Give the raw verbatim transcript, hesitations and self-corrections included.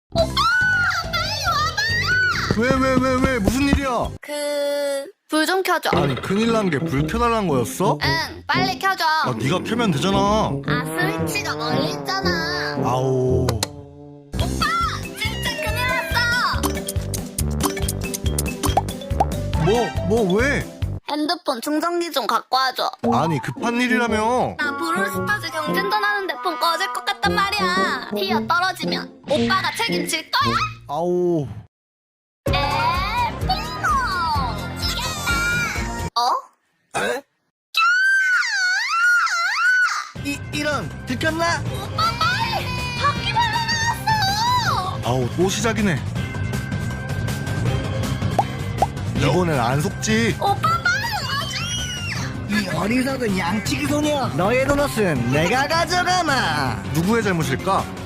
오빠! 빨리 와봐! 왜 왜 왜 왜 무슨 일이야? 그... 불 좀 켜줘. 아니 큰일 난 게 불 켜달란 거였어? 응, 빨리 켜줘. 아 네가 켜면 되잖아. 아, 스위치가 멀리 있잖아. 아오. 오빠! 진짜 큰일 났어! 뭐 뭐 왜? 핸드폰 충전기 좀 갖고 와줘. 아니 급한 일이라며. 나 브롤스타즈 경쟁전 하는데 폰 꺼질 것 같단 말이야. 티어 떨어지면 오빠가 책임질 거야? 아오. 에, 핑퐁! 이겼다! 어? 에? 이 이런 들켰나? 오빠 빨리! 바퀴벌레 나왔어! 아우 또 시작이네. 이번엔 안 속지. 오빠 빨리 와줘! 이 어리석은 양치기 소녀, 너의 도넛은 내가 가져가마. 누구의 잘못일까?